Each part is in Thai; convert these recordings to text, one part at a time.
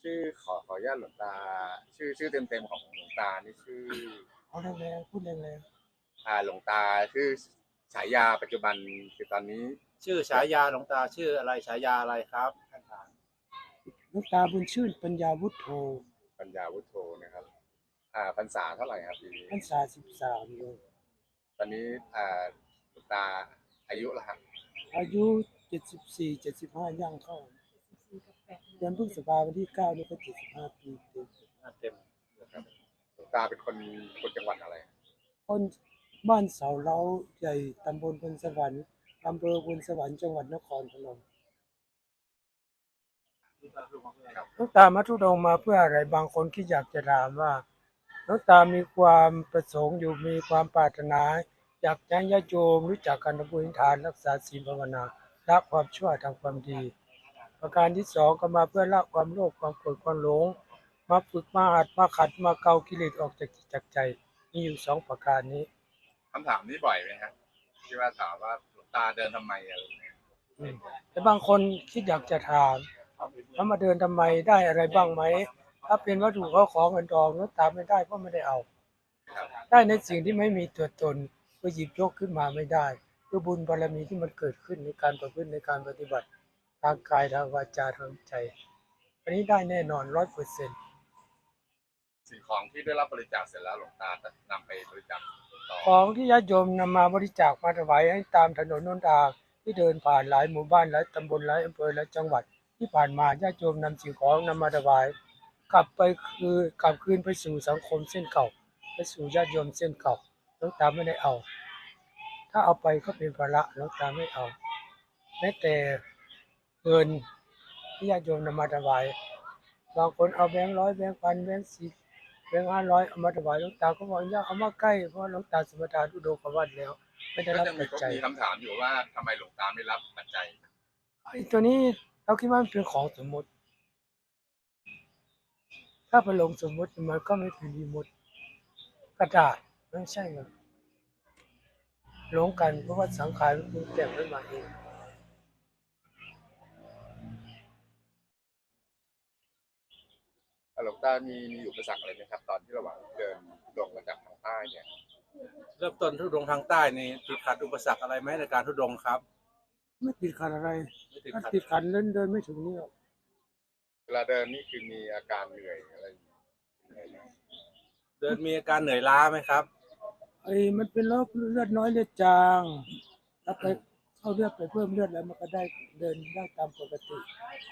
ขออนุญาตหลวงตาชื่อเต็มๆของหลวงตานี่ชื่อเอาแรงๆพูดแรงหลวงตาชื่อฉายาปัจจุบันคือตอนนี้ชื่อฉายาหลวงตาชื่ออะไรฉายาอะไรครับท่านอาจารย์ๆหลวงตาบุญชื่นปัญญาวุฒโธปัญญาวุฒโธนะครับพรรษาเท่าไหร่ครับปีนี้พรรษา13โยมตอนนี้หลวงตาอายุละครับอายุ74 75ย่างเข้าเดือนพฤษภาคมวันที่9นี่ก็75ปีเต็มเต็มนะครับหลวงตาเป็นคนจังหวัดอะไรคนบ้านเสาเล้าใหญ่ตำบลพลสวรรค์อำเภอพลสวรรค์จังหวัดนครพนมหลวงตามาทุดงมาเพื่ออะไรบางคนที่อยากจะถามว่าหลวงตามีความประสงค์อยู่มีความปรารถนาอยากให้ญาติโยมรู้จักกันทำบุญทานรักษาศีลภาวนาละความชั่วทำความดีประการที่สองก็มาเพื่อละความโลภความโกรธความหลงมาฝึกมาหัดมาขัดมาเกากิเลสออกจากจิตจากใจมีอยู่2ประการนี้คำถามนี้บ่อยไหมครับที่ว่าถามว่าหลวงตาเดินทำไมอะไรเงี้ยแต่บางคนคิดอยากจะถามแล้วมาเดินทำไมได้อะไรบ้างไหมถ้าเป็นวัตถุเขาของเงินทองหลวงตาไม่ได้เพราะไม่ได้เอาได้ในสิ่งที่ไม่มีตัวตนก็หยิบยกขึ้นมาไม่ได้คือบุญบารมีที่มันเกิดขึ้นในการประพฤติในการปฏิบัติทางกายทางวาจาทางใจอันนี้ได้แน่นอน100% สิ่งของที่ได้รับบริจาคเสร็จแล้วหลวงตาจะนำไปบริจาคต่อของที่ญาติโยมนำมาบริจาคมาถวายให้ตามถนนหนทางที่เดินผ่านหลายหมู่บ้านหลายตำบลหลายอำเภอหลายจังหวัดที่ผ่านมาญาติโยมนำสิ่งของนำมาถวายกลับคืนไปสู่สังคมเส้นเก่าไปสู่ญาติโยมเส้นเก่าหลวงตาไม่ได้เอาถ้าเอาไปก็เป็นภาระหลวงตาไม่เอาแม้แต่เงินที่ญาติโยมนำมาถวายบางคนเอาแบงค์ 100แบงค์ 1,000แบงค์ 10แบงค์ 500เอามาถวายหลวงตาก็บอกอย่าเอามาใกล้เพราะหลวงตาสมทานอุดมกวัดแล้วไม่ได้รับปัจจัยมีคำถามอยู่ว่าทำไมหลวงตาไม่รับปัจจัยไอ้ตัวนี้เราคิดว่ามันเป็นของสมมติถ้าไปลงสมมติมันก็ไม่เป็นวิมุตติกระดาษไม่ใช่หรอกหลงกันเพราะว่าสังขารมันปรุงแต่งขึ้นมาเองหลวงตามีอุปสรรคอะไรไหมครับตอนที่ระหว่างเดินลงมาจากทางใต้เนี่ยเริ่มต้นทุดงทางใต้นี่ติดขัดอุปสรรคอะไรไหมในการทุดงครับไม่ติดขัดอะไรไม่ติดถ้าขัดติดขัดเดินไม่ถึงนี่หรอกเวลาเดินนี่คือมีอาการเหนื่อยอะไรเดินมีอาการเหนื่อยล้าไหมครับไอ้มันเป็นโรคเลือดน้อยเลือดจางถ้าไปเข้าเลือดไปเพิ่มเลือดแล้วมันก็ได้เดินได้ตามปกติ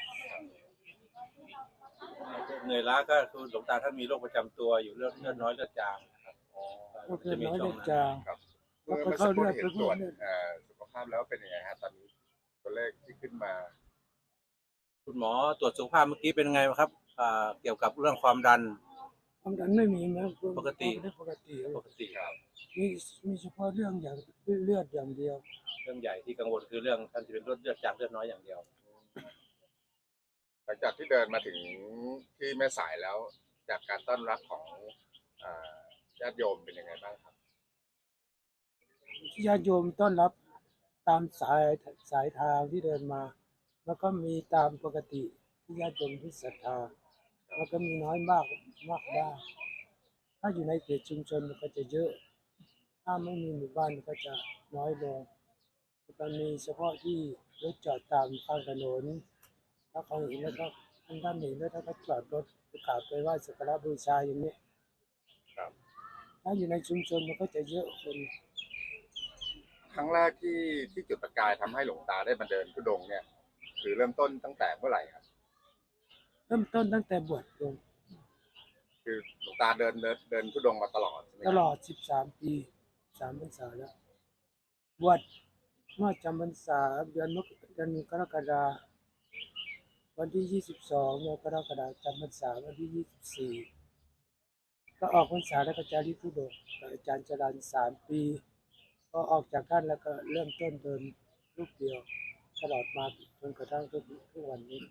เหนื่อยล้าก็คือหลวงตาท่านมีโรคประจำตัวอยู่เลือดน้อยเลือดจางครับเลือดน้อยเลือดจางครับแล้วเก็มื่อสัเข้าเลือดกครู่เห็นตรวจไปเพิ่มเลือดสุขภาพแล้วเป็นยังไงฮะตอนนี้ตัวเลขที่ขึ้นมาคุณหมอตรวจสุขภาพเมื่อกี้เป็นไงครับเกี่ยวกับเรื่องความดันไม่มีนะปกติปกติครับมีเฉพาะเรื่องอย่างเลือดอย่างเดียวเรื่องใหญ่ที่กังวลคือเรื่องท่านจะเป็นเลือดจางเลือดน้อยอย่างเดียวหลังจากที่เดินมาถึงที่แม่สายแล้วจากการต้อนรับของญาติโยมเป็นยังไงบ้างครับญาติโยมต้อนรับตามสายทางที่เดินมาแล้วก็มีตามปกติที่ญาติโยมที่ศรัทธาแล้วก็มีน้อยมากบ้างถ้าอยู่ในเขตชุมชนมันก็จะเยอะถ้าไม่มีหมู่บ้านมันก็จะน้อยลงก็มีเฉพาะที่รถจอดตามข้างถนนถ้าเขาเห็นแล้วก็ท่านเห็นแล้วถ้าเขาจอดรถไปกราบไปไหว้สักการะบูชาอย่างนี้ถ้าอยู่ในชุมชนมันก็จะเยอะคนครั้งแรกที่จุดประกายทำให้หลวงตาได้มาเดินธุดงค์เนี่ยคือเริ่มต้นตั้งแต่เมื่อไหร่ครับเริ่มต้นตั้งแต่บวชโยมคือหลวงตาเดินธุดงค์มาตลอดใช่ไหมตลอด13 ปี3 พรรษาแล้วบวชเมื่อจำพรรษาเดือนกรกฎาคมวันที่22กรกฎาคมจำพรรษาวันที่24ก็ออกพรรษาแล้วก็จาริกธุดงค์กับอาจารย์จรัญ3 ปีพอออกจากท่านแล้วก็เริ่มต้นเดินรูปเดียวตลอดมาจนกระทั่งทุกวันนี้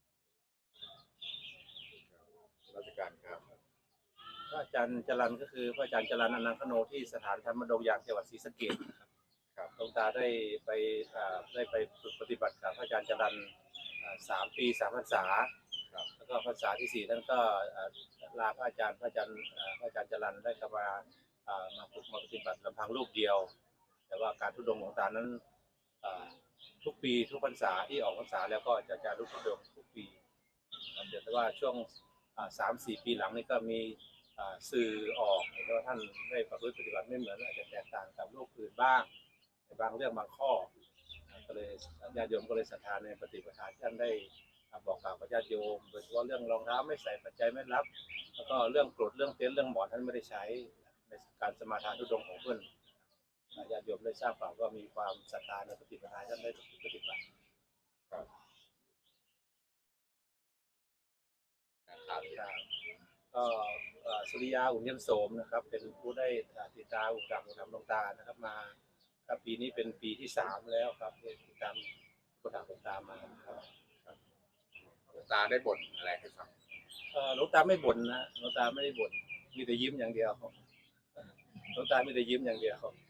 ราชการครับพระอาจารย์จรัญก็คือพระอาจารย์จรัญอนันต์คโนที่สถานธรรมดงยางจังหวัดศรีสะเกษครับหลวงตาได้ไปฝึกปฏิบัติกับพระอาจารย์จรัญ3 ปี 3 พรรษาแล้วแล้วก็พรรษาที่ 4ท่านก็ลาพระอาจารย์จรัญได้กลับมามาฝึกมาปฏิบัติลำพังรูปเดียว แต่ว่าการทุดงค์หลวงตานั้นทุกปีทุกพรรษาที่ออกพรรษาแล้วก็จะทุดงค์ทุกปีแต่ว่าช่วง3-4 ปีหลังนี่ก็มีสื่อออกเห็นว่าท่านได้ประพฤติปฏิบัติไม่เหมือนอาจจะแตกต่างกับโลกอื่นบ้างในบางเรื่องบางข้อก็เลยญาติโยมก็เลยศรัทธาในปฏิปทาที่ท่านได้บอกกล่าวกับญาติโยมโดยเฉพาะเรื่องรองเท้าไม่ใส่ปัจจัยไม่รับแล้วก็เรื่องกรดเรื่องเต็นท์เรื่องหมอนท่านไม่ได้ใช้ในการสมาทานทุดงค์ของเพื่อนญาติโยมได้ทราบข่าวก็มีความศรัทธาในปฏิปทาท่านได้ปฏิบัติ ก็สุริยาอุ่นเยี่ยมโสมนะครับเป็นผู้ได้ติดตามอุปถัมภ์หลวงตานะครับมาปีนี้เป็นปีที่3แล้วครับที่ติดตามอุปถัมภ์หลวงตามาครับหลวงตาได้บ่นอะไรให้ฟังหลวงตาไม่บ่นนะหลวงตาไม่ได้บ่นมีแต่ยิ้มอย่างเดียวหลวงตามีแต่ยิ้มอย่างเดียว